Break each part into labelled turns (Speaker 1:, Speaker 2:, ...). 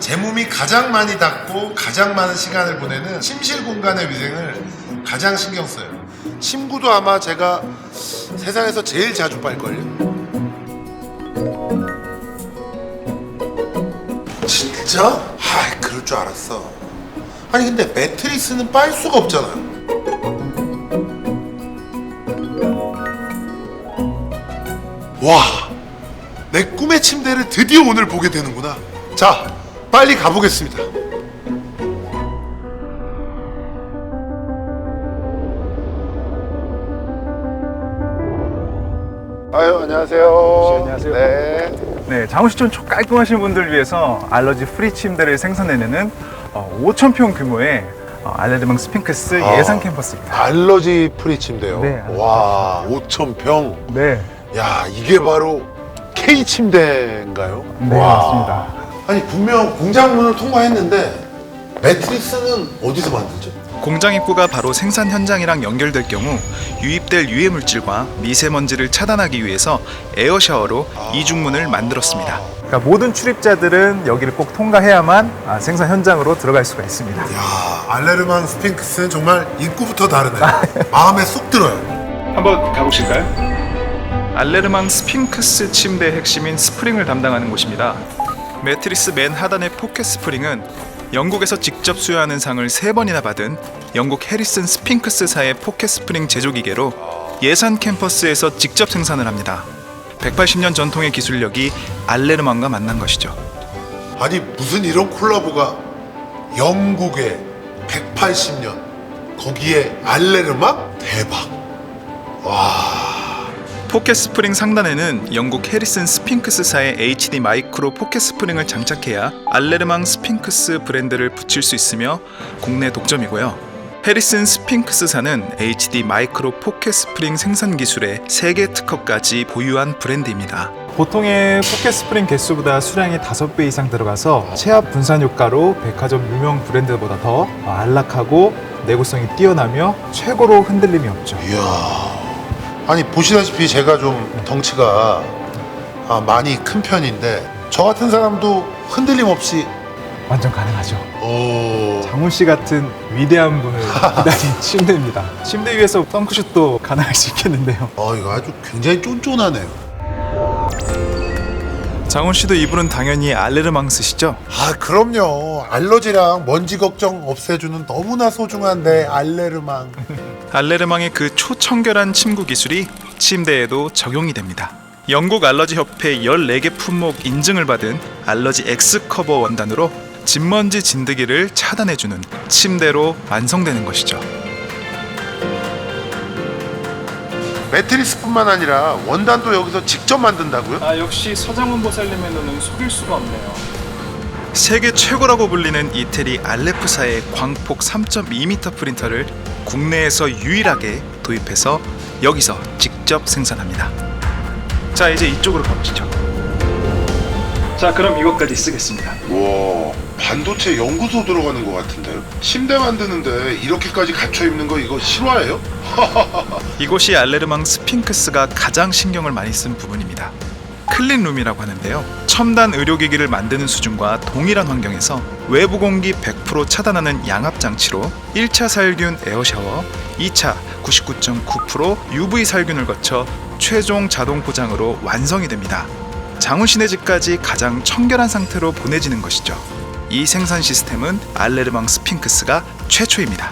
Speaker 1: 제 몸이 가장 많이 닿고 가장 많은 시간을 보내는 침실 공간의 위생을 가장 신경 써요. 침구도 아마 제가 세상에서 제일 자주 빨걸요. 진짜? 아, 그럴 줄 알았어. 아니 근데 매트리스는 빨 수가 없잖아요. 와, 내 꿈의 침대를 드디어 오늘 보게 되는구나. 자, 빨리 가보겠습니다. 아유, 안녕하세요.
Speaker 2: 안녕하세요.
Speaker 1: 네.
Speaker 2: 네, 장훈시촌 깔끔하신 분들 위해서 알러지 프리 침대를 생산해내는 5,000평 규모의 알레르망 스핑크스 예상 캠퍼스입니다.
Speaker 1: 알러지 프리 침대요.
Speaker 2: 네, 알러지
Speaker 1: 와, 5,000평.
Speaker 2: 네,
Speaker 1: 야, 이게 바로 K 침대인가요?
Speaker 2: 네
Speaker 1: 와.
Speaker 2: 맞습니다.
Speaker 1: 아니 분명 공장문을 통과했는데 매트리스는 어디서 만들죠?
Speaker 3: 공장 입구가 바로 생산 현장이랑 연결될 경우 유입될 유해 물질과 미세먼지를 차단하기 위해서 에어 샤워로 이중문을 만들었습니다.
Speaker 2: 그러니까 모든 출입자들은 여기를 꼭 통과해야만 생산 현장으로 들어갈 수가 있습니다.
Speaker 1: 야, 알레르망 스핑크스는 정말 입구부터 다르네. 마음에 쏙 들어요.
Speaker 2: 한번 가보실까요?
Speaker 3: 알레르망 스핑크스 침대의 핵심인 스프링을 담당하는 곳입니다. 매트리스 맨 하단의 포켓 스프링은 영국에서 직접 수여하는 상을 3번이나 받은 영국 해리슨 스핑크스사의 포켓 스프링 제조 기계로 예산 캠퍼스에서 직접 생산을 합니다. 180년 전통의 기술력이 알레르망과 만난 것이죠.
Speaker 1: 아니 무슨 이런 콜라보가 영국에 180년 거기에 알레르망? 대박. 와.
Speaker 3: 포켓 스프링 상단에는 영국 해리슨 스핑크스사의 HD 마이크로 포켓 스프링을 장착해야 알레르망 스핑크스 브랜드를 붙일 수 있으며 국내 독점이고요. 해리슨 스핑크스사는 HD 마이크로 포켓 스프링 생산 기술의 세계 특허까지 보유한 브랜드입니다.
Speaker 2: 보통의 포켓 스프링 개수보다 수량이 5배 이상 들어가서 체압 분산 효과로 백화점 유명 브랜드보다 더 안락하고 내구성이 뛰어나며 최고로 흔들림이 없죠.
Speaker 1: 이야. 아니 보시다시피 제가 좀 덩치가 많이 큰 편인데 저 같은 사람도 흔들림 없이
Speaker 2: 완전 가능하죠.
Speaker 1: 오.
Speaker 2: 장훈 씨 같은 위대한 분을 기다린 침대입니다. 침대 위에서 덩크슛도 가능할 수 있겠는데요.
Speaker 1: 이거 아주 굉장히 쫀쫀하네요.
Speaker 3: 장훈 씨도 이분은 당연히 알레르망 쓰시죠?
Speaker 1: 아 그럼요. 알러지랑 먼지 걱정 없애주는 너무나 소중한 내 알레르망.
Speaker 3: 알레르망의 그 초청결한 침구 기술이 침대에도 적용이 됩니다. 영국 알러지 협회 14개 품목 인증을 받은 알러지 X 커버 원단으로 진먼지 진드기를 차단해주는 침대로 완성되는 것이죠.
Speaker 1: 매트리스뿐만 아니라 원단도 여기서 직접 만든다고요?
Speaker 2: 역시 서장훈 보살님에는 속일 수가 없네요.
Speaker 3: 세계 최고라고 불리는 이태리 알레프사의 광폭 3.2m 프린터를 국내에서 유일하게 도입해서 여기서 직접 생산합니다. 자, 이제 이쪽으로 가보시죠.
Speaker 2: 자, 그럼 이것까지 쓰겠습니다.
Speaker 1: 와, 반도체 연구소 들어가는 것 같은데요? 침대 만드는데 이렇게까지 갖춰 입는 거 이거 실화예요?
Speaker 3: 이곳이 알레르망 스핑크스가 가장 신경을 많이 쓴 부분입니다. 클린룸이라고 하는데요. 첨단 의료기기를 만드는 수준과 동일한 환경에서 외부 공기 100% 차단하는 양압 장치로 1차 살균 에어샤워, 2차 99.9% UV 살균을 거쳐 최종 자동 포장으로 완성이 됩니다. 장훈 씨네 집까지 가장 청결한 상태로 보내지는 것이죠. 이 생산 시스템은 알레르망 스핑크스가 최초입니다.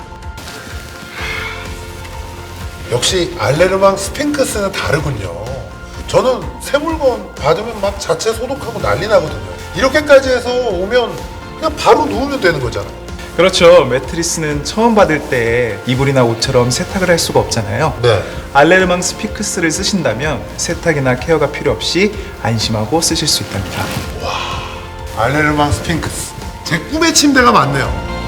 Speaker 1: 역시 알레르망 스핑크스는 다르군요. 저는 새 물건 받으면 막 자체 소독하고 난리 나거든요. 이렇게까지 해서 오면 그냥 바로 누우면 되는 거잖아요.
Speaker 2: 그렇죠. 매트리스는 처음 받을 때 이불이나 옷처럼 세탁을 할 수가 없잖아요.
Speaker 1: 네.
Speaker 2: 알레르망 스핑크스를 쓰신다면 세탁이나 케어가 필요 없이 안심하고 쓰실 수 있답니다.
Speaker 1: 알레르망 스핑크스. 제 꿈의 침대가 맞네요.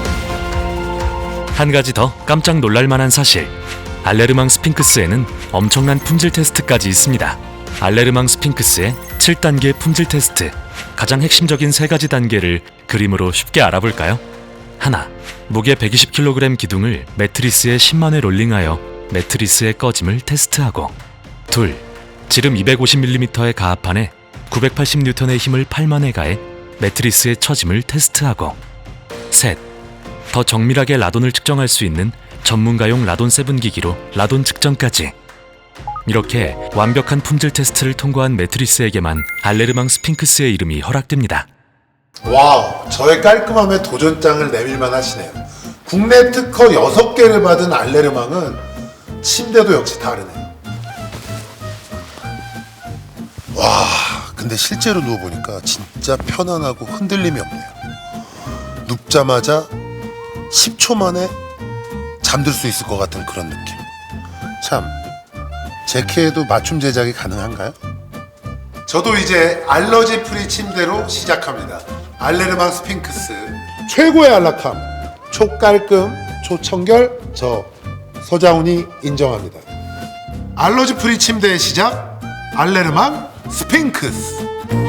Speaker 4: 한 가지 더 깜짝 놀랄 만한 사실. 알레르망 스핑크스에는 엄청난 품질 테스트까지 있습니다. 알레르망 스핑크스의 7단계 품질 테스트. 가장 핵심적인 3가지 단계를 그림으로 쉽게 알아볼까요? 하나, 무게 120kg 기둥을 매트리스에 10만 회 롤링하여 매트리스의 꺼짐을 테스트하고, 둘, 지름 250mm의 가합판에 980N의 힘을 8만 회 가해 매트리스의 처짐을 테스트하고 셋, 더 정밀하게 라돈을 측정할 수 있는 전문가용 라돈 세븐 기기로 라돈 측정까지. 이렇게 완벽한 품질 테스트를 통과한 매트리스에게만 알레르망 스핑크스의 이름이 허락됩니다.
Speaker 1: 와우, 저의 깔끔함에 도전장을 내밀만 하시네요. 국내 특허 6개를 받은 알레르망은 침대도 역시 다르네요. 와, 근데 실제로 누워보니까 진짜 편안하고 흔들림이 없네요. 눕자마자 10초 만에 잠들 수 있을 것 같은 그런 느낌. 참, 제 키에도 맞춤 제작이 가능한가요? 저도 이제 알러지 프리 침대로 시작합니다. 알레르망 스핑크스 최고의 안락함, 초깔끔, 초청결, 저 서장훈이 인정합니다. 알러지 프리 침대의 시작, 알레르망 스핑크스.